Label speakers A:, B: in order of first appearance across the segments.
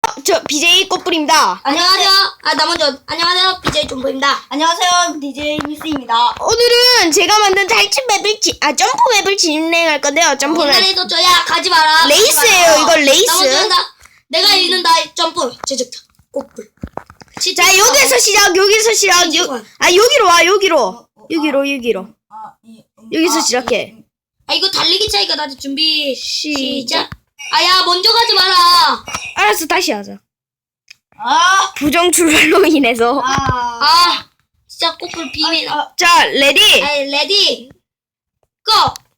A: 저 BJ 꽃불입니다.
B: 안녕하세요. 나 먼저 안녕하세요. BJ 존보입니다.
C: 안녕하세요, DJ 미스입니다.
A: 오늘은 제가 만든 탈출 맵을 점프 맵을 진행할 건데요. 점프는
B: 옛날에도 저야 가지 마라.
A: 레이스예요. 이거
B: 나
A: 레이스.
B: 먼저 한다. 내가 읽는다. 점프. 제작자. 꽃불.
A: 자, 여기서 시작. 여기로 와. 여기로. 여기서 시작해.
B: 이거 달리기 차이가 나지. 준비 시작. 야 먼저 가지 마라.
A: 알았어, 다시 하자. 부정 출발로 인해서.
B: 진짜 꽃불 비밀.
A: 자, 레디.
B: 레디. 고.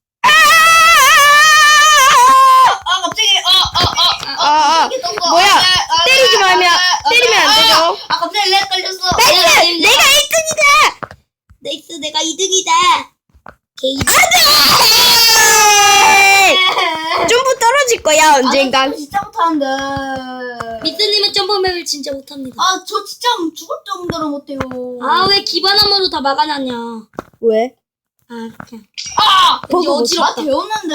C: 갑자기.
A: 뭐야? 때리면 안 되죠.
C: 갑자기 렉 걸렸어.
A: 내가 1등이다.
B: 네이스 내가 2등이다.
A: 점프 떨어질 거야 언젠가.
C: 저 진짜 못하는데.
B: 미스님은 점프맵을 진짜 못합니다.
C: 저 진짜 죽을 정도로 못해요.
B: 왜 기반함으로 다 막아놨냐.
A: 왜?
B: 그냥.
A: 버그
C: 나
B: 어지럽다.
C: 배웠는데.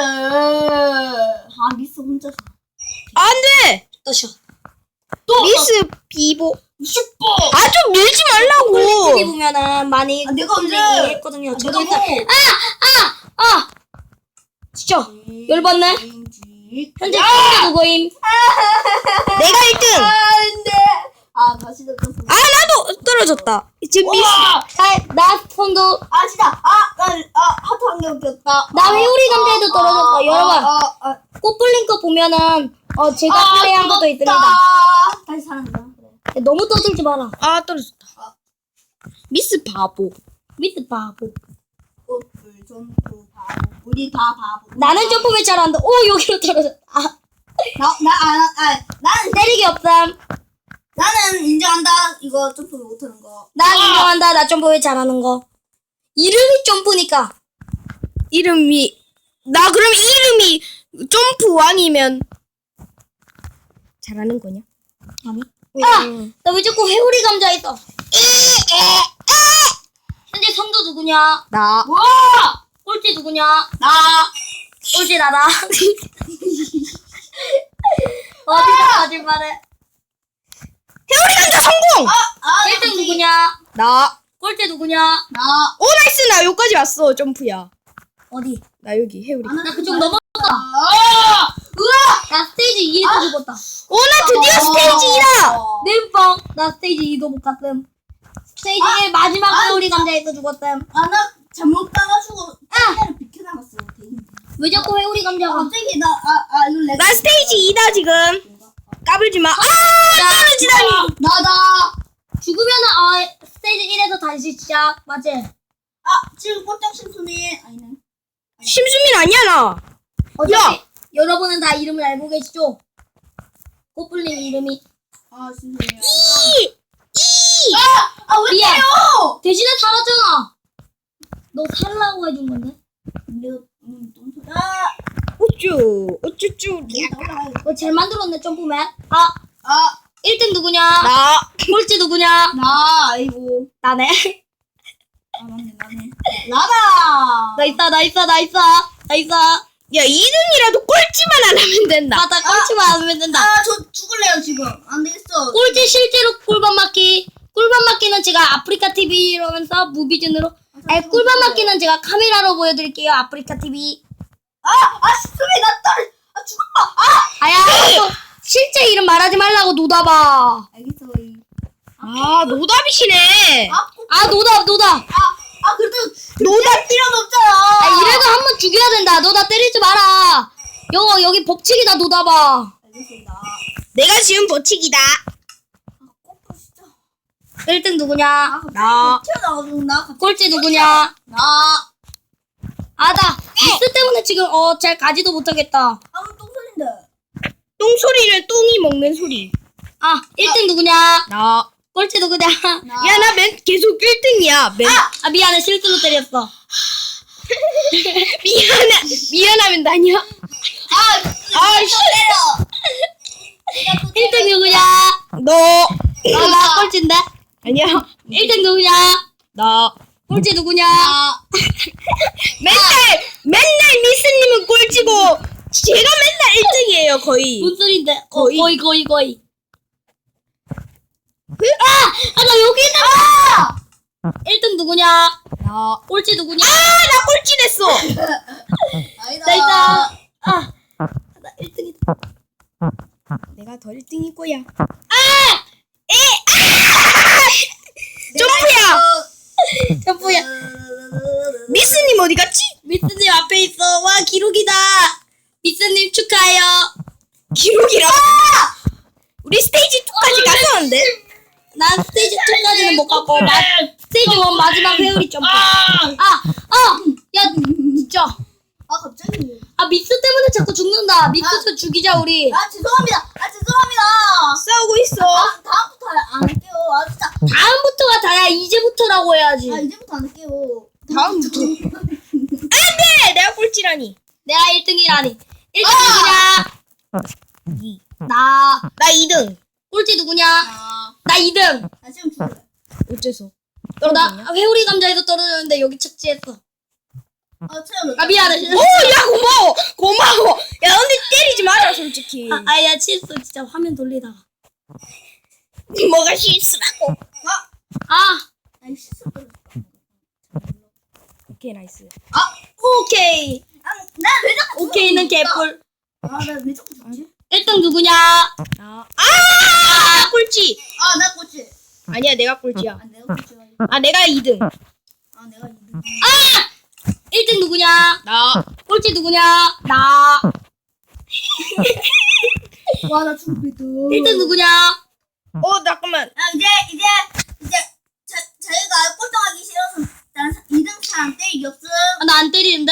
C: 미스 혼자서.
A: 안돼.
B: 떠셔.
A: 미스 비보.
C: 슈퍼.
A: 좀 밀지 말라고.
B: 여기 보면은 많이
C: 내가 언제
B: 했거든요. 저도 했어. 진짜 열받네. 현재 꼴찌 누구임?
A: 내가 1등.
C: 안돼. 다시 들었어.
A: 나도 떨어졌다. 지금 미스.
B: 나 손도
C: 진짜. 하트 한 개 웃겼다.
B: 나 회오리 감자에도 떨어졌어. 여러분 꽃불린 거 보면은 제가 플레이한 것도 있습니다.
C: 다시 사랑한다.
B: 너무 떠들지 마라.
A: 떨어졌다. 미스 바보.
B: 미스 바보.
C: 꽃불 점프 바보. 우리 다 바보.
B: 나는 점프를 잘한다. 여기로 떨어졌다.
C: 나는
B: 때리기 없음.
C: 나는 인정한다. 이거 점프 못하는 거.
B: 나 인정한다. 나 점프를 잘하는 거. 이름이 점프니까.
A: 그럼 이름이 점프 왕이면 잘하는 거냐?
B: 아니. 나 왜 자꾸 회오리 감자 있어? 현재 선두 누구냐?
A: 나.
B: 꼴찌 누구냐?
C: 나.
B: 꼴찌 나다. 어디서 거짓말해?
A: 회오리 감자 성공.
B: 1등 누구냐?
A: 나.
B: 꼴찌 누구냐?
C: 나.
A: 나이스. 나 여기까지 왔어. 점프야.
B: 어디?
A: 나 여기 회오리.
B: 나 그쪽 넘었다. 나 스테이지 2에서 죽었다.
A: 나 드디어 스테이지 2다.
B: 땜빵. 나 스테이지 2도 못 갔음. 스테이지 1 마지막 회오리 감자에서 죽었음.
C: 나 잘못 가가지고 카메라를 비켜나갔어.
B: 왜 자꾸 회오리 감자가?
C: 갑자기 이거 내가.
A: 나 스테이지 2다 지금. 까불지 마. 떨어지다니.
C: 나다.
B: 죽으면은 스테이지 1에서 다시 시작. 맞지?
C: 지금 꼴짝 심순이 아니네.
A: 심수민 아니야 나.
B: 어차피 여러분은 다 이름을 알고 계시죠? 꽃불님 이름이.
C: 심순이야. 왜
B: 미안.
C: 때려?
B: 대신에 살았잖아. 너 살라고 해준 건데?
C: 내가
A: 어쭈쭈.
B: 너 잘 만들었네 점프맨. 1등 누구냐?
A: 나.
B: 꼴찌 누구냐?
C: 아이고.
B: 나네.
C: 맞네. 나다.
B: 나 있어.
A: 야 2등이라도 꼴찌만 안 하면 된다.
B: 맞아, 꼴찌만 안 하면 된다.
C: 저 죽을래요 지금. 안 되겠어.
B: 꼴찌 실제로 꿀밤 맞기. 꿀밤 맞기는 제가 아프리카 TV 이러면서 무비즌으로. 꿀밤 맞기는 제가 카메라로 보여드릴게요. 아프리카 TV.
C: 심순이 나 떨어. 죽었다.
B: 실제 이름 말하지 말라고 노다봐.
C: 알겠어.
A: 노답이시네.
B: 노다.
C: 그래도 노달 필요는 없잖아.
B: 이래도 한 번 죽여야 된다. 너 나 때리지 마라. 여기 법칙이다 노다봐.
C: 알겠습니다.
A: 내가 지금 버칙이다.
C: 꽃불 진짜.
B: 1등 누구냐?
A: 나.
C: 튀어나와가지고 나.
B: 꼴찌 누구냐?
C: 나.
B: 나 미스 때문에 지금 잘 가지도 못하겠다.
C: 똥소리인데.
A: 똥 소리를 똥이 먹는 소리.
B: 1등 누구냐?
A: 나.
B: 꼴찌 누구냐?
A: 야 나 계속 1등이야.
B: 미안해 실수로 때렸어.
A: 미안하면 나냐?
C: 때려.
B: 1등 누구냐?
A: 너.
B: 나 꼴찌인데?
A: 아니야.
B: 1등 누구냐?
A: 나.
B: 꼴찌 누구냐?
A: 맨날 미스님은 꼴찌고 제가 맨날 1등이에요 거의.
B: 뭔 소린데?
A: 거의.
B: 거의. 나 여기 있다. 1등 누구냐?
A: 나
B: 꼴찌 누구냐?
A: 꼴찌 됐어.
C: 아니다.
B: 나 있다. 나 1등이다.
A: 내가 더 1등일 거야. 점프야.
B: 점프야.
A: 미스님 어디 갔지?
B: 미스님 앞에 있어. 와, 기록이다. 미스님 축하해요.
A: 기록이라. 우리 스테이지 2까지 갔었는데.
B: 난 스테이지 2까지는 못 갔고, 스테이지 1 마지막 회오리 점프. 야, 진짜.
C: 갑자기.
B: 미스 때문에 자꾸 죽는다. 미스 죽이자, 우리.
C: 죄송합니다. 죄송합니다.
A: 싸우고 있어.
C: 다음부터 안 할게요. 진짜.
B: 다음부터가 다야. 이제부터라고 해야지.
C: 이제부터 안 할게요.
A: 다음부터. 안돼, 내가 꼴찌라니.
B: 내가 1등이라니. 1등 누구냐? 나.
A: 나 2등.
B: 꼴찌 누구냐? 나 2등.
C: 나 지금 죽을래.
A: 어째서?
B: 나 회오리 감자에서 떨어졌는데 여기 착지했어.
C: 채워.
B: 미안해.
A: 오, 야 고마워. 야 근데 때리지 마라 솔직히.
B: 야, 실수. 진짜 화면 돌리다가.
A: 뭐가 실수라고?
C: 아니 실수.
A: 오케이 나이스.
B: 오케이.
C: 나왜 자꾸
B: 오케이는 개뿔.
C: 나왜 자꾸 죽지?
B: 1등 누구냐?
A: 나 꼴찌.
C: 나 꼴찌.
A: 아니야 내가 꼴찌야.
C: 내가 꼴찌야.
A: 내가 2등.
C: 내가 2등.
B: 1등 누구냐?
A: 나.
B: 꼴찌 누구냐? 나.
C: 나 죽겠다.
B: 1등 누구냐?
A: 잠깐만.
C: 이제 저희가 꼴등하기 싫어서 난 2등 사람 때리기 없음.
B: 나 안 때리는데?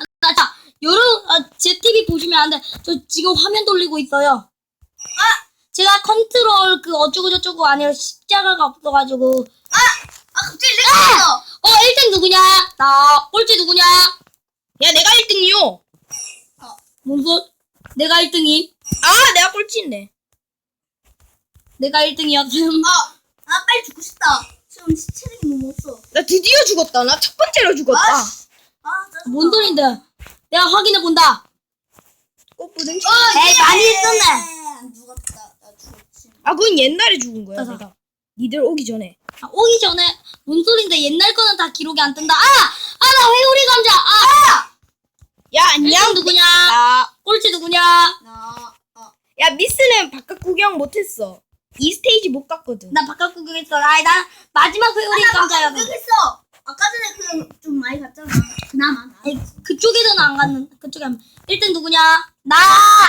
B: 제 TV 보시면 안 돼. 저 지금 화면 돌리고 있어요. 제가 컨트롤 어쩌고저쩌고 아니라 십자가가 없어가지고.
C: 갑자기 생각났어.
B: 1등 누구냐? 나. 꼴찌 누구냐?
A: 야 내가 1등이요.
B: 뭔 소? 내가 1등임.
A: 내가 꼴찌인데.
B: 내가 1등이었음.
C: 빨리 죽고 싶다. 지금 체력이 너무 없어.
A: 나 드디어 죽었다. 나 첫 번째로 죽었다.
C: 짜증나.
B: 뭔 소린데? 내가 확인해 본다.
A: 꽃부등.
B: 에이, 많이 했었네.
C: 안 죽었다. 나 죽었지.
A: 그건 옛날에 죽은 거야
B: 맞아.
A: 내가. 니들 오기 전에.
B: 오기 전에 뭔 소린데? 옛날 거는 다 기록이 안 뜬다. 나 회오리 감자.
A: 야 안녕.
B: 1등 누구냐?
A: 나.
B: 꼴찌 누구냐?
A: 야 미스는 바깥 구경 못했어. 이 스테이지 못 갔거든.
B: 나 바깥 구경했어. 나 마지막 회오리 감자야.
C: 했어. 아까 전에 좀 많이 갔잖아. 그나마.
B: 그쪽에서는 안 갔는. 그쪽에 안. 1등 누구냐? 나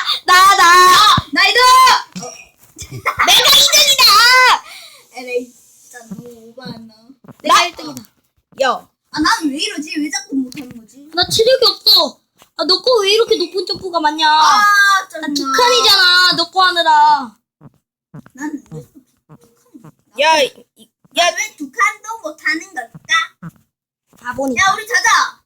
C: 2등!
A: 내가 2등이다.
C: 에레이 진짜 너무 오버했나?
B: 내가 1등이다.
A: 야.
C: 나는 왜 이러지? 왜 자꾸 못하는 거지?
B: 나 체력이 없어. 너 거 왜 이렇게 높은 점프가 많냐?
C: 짜증나.
B: 나 두 칸이잖아. 너 거 하느라.
C: 난왜 자꾸
A: 야.
C: 왜 두 칸도 못하는 걸까?
B: 바보니까.
C: 야, 우리 자자.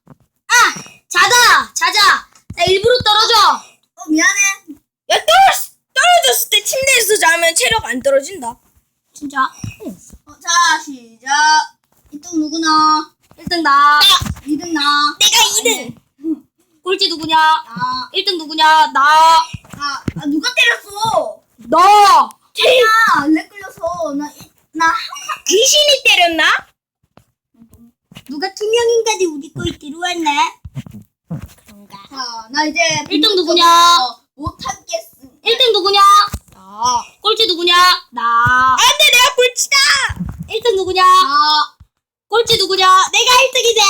B: 자자. 나 일부러 떨어져.
C: 미안해.
A: 야 떨어졌을 때 침대에서 자면 체력 안 떨어진다.
B: 진짜.
C: 자, 시작. 1등 누구나?
B: 1등 나.
C: 2등 나.
A: 내가 2등.
B: 꼴찌 누구냐?
C: 나.
B: 1등 누구냐? 나.
C: 누가 때렸어?
B: 너.
C: 렉 걸려서 나
A: 귀신이 때렸나?
B: 누가 투명인간이 우리 거에 들어왔네.
C: 자, 나 이제
B: 1등 누구냐?
C: 못하겠어.
B: 1등 누구냐?
A: 나.
B: 꼴찌 누구냐? 나.
A: 안돼 내가 꼴찌다.
B: 1등 누구냐?
C: 나.
B: 꼴찌 누구냐? 내가 1등이지.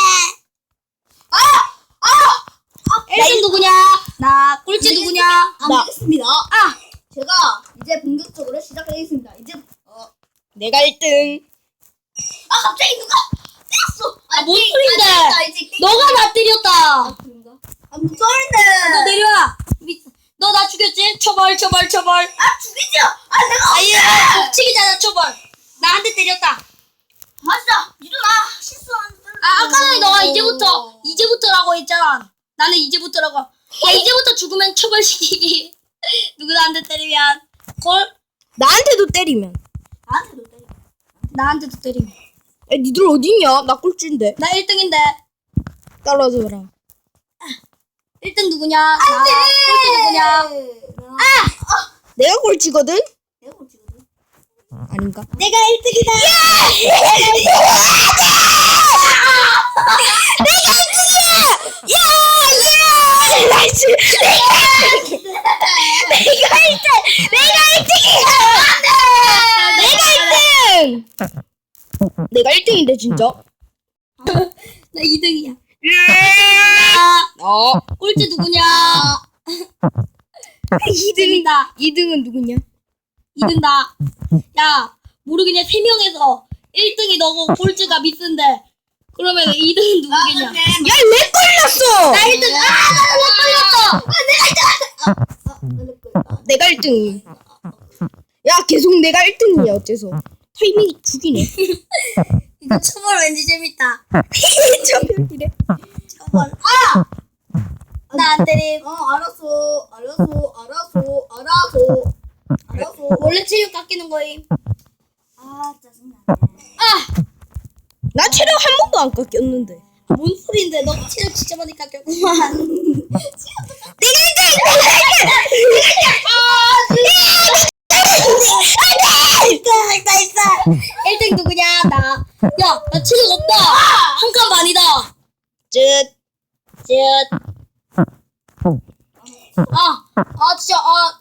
B: 1등 누구냐? 나. 꼴찌 누구냐?
C: 안 되겠습니다.
B: 아.
C: 제가 이제 본격적으로 시작하겠습니다. 이제
A: 내가 1등.
C: 갑자기 누가 때렸어?
B: 뭔 소린데? 너가 나 때렸다.
C: 그런가? 뭔 소린데?
B: 너 내려와. 너 나 죽였지? 처벌.
C: 죽이죠. 내가
B: 아예 법칙이잖아, 처벌. 나 한 대 때렸다.
C: 맞아. 니도 나 실수한.
B: 아까 전에 너가 이제부터라고 했잖아. 나는 이제부터라고. 야, 이제부터 죽으면 처벌시키기. 누구 나한테 때리면 걸?
A: 나한테도 때리면.
C: 나한테도 때려.
B: 나한테도 때리면.
A: 야 니들 어딨냐? 나 꼴찌인데.
B: 나 1등인데.
A: 떨어져라.
B: 1등 누구냐? 나. 꼴찌 누구냐?
A: 내가 꼴찌거든.
C: 내가 꼴찌거든.
A: 아닌가?
B: 내가 1등이다.
A: 나이스! 내가 1등! 내가 1등이야! 내가 1등인데 진짜?
B: 나 2등이야.
A: 어.
B: 꼴찌 누구냐?
A: 2등이다. 2등은 누구냐?
B: 2등 나. 야, 모르겠냐? 3명에서 1등이 너고 꼴찌가 미스인데. 그러면 2등은 누구겠냐?
A: 야, 왜 걸렸어?
B: 나 1등. 나못 걸렸어.
A: 내가 1등이. 야, 계속 내가 1등이야, 어째서. 타이밍이 죽이네.
B: 이거 초벌 왠지 재밌다.
A: 저별이래.
B: 초벌. 나 안 때림.
C: 알았어.
B: 원래 체력 깎이는 거임.
C: 짜증나.
A: 나 체력 한 번도 안 깎였는데.
B: 뭔 소린데? 너 체력 진짜 많이 깎였구만.
A: 내가 1등!
B: 있어. 1등 누구냐? 나. 야, 나 체력 없다. 한 칸 반이다.
A: 쯧.
B: 진짜,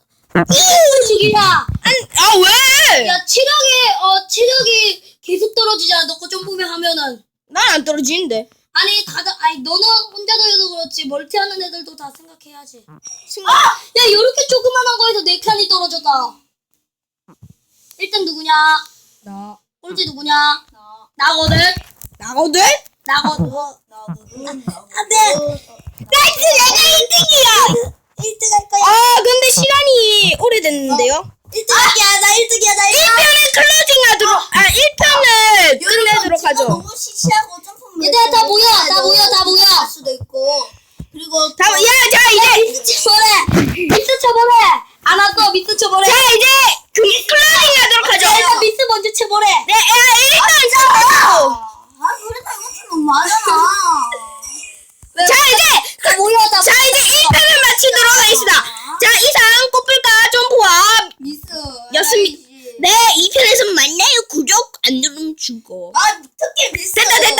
B: 죽이야.
A: 왜?
B: 야, 체력이 계속 떨어지잖아. 너 거 좀 보면 하면은.
A: 난 안 떨어지는데.
B: 아니, 너는 혼자서 해서 그렇지. 멀티하는 애들도 다 생각해야지. 야, 이렇게 조그만한 거에서 4칸이 떨어졌다. 1등 누구냐?
A: 나.
B: 꼴찌 누구냐? 나거든?
A: 나거든?
B: 나거든. 안 돼!
A: 나이스! 내가 1등이야!
B: 1등 할 거야.
A: 근데 시간이 오래됐는데요?
B: 1등이야, 나 1등이야, 나 1등.
A: 1편은 클로징하도록, 1편은 끝내도록 하죠.
C: 너무 시시하고 점프물.
B: 얘들아, 다 모여.
C: 할 수도 있고. 그리고
A: 자, 이제!
B: 미스 쳐버려. 미스 쳐버려. 안 왔어, 미스 쳐버려.
A: 자, 이제, 클로징하도록 하죠.
B: 일단 미스 먼저 쳐버려.
A: 네,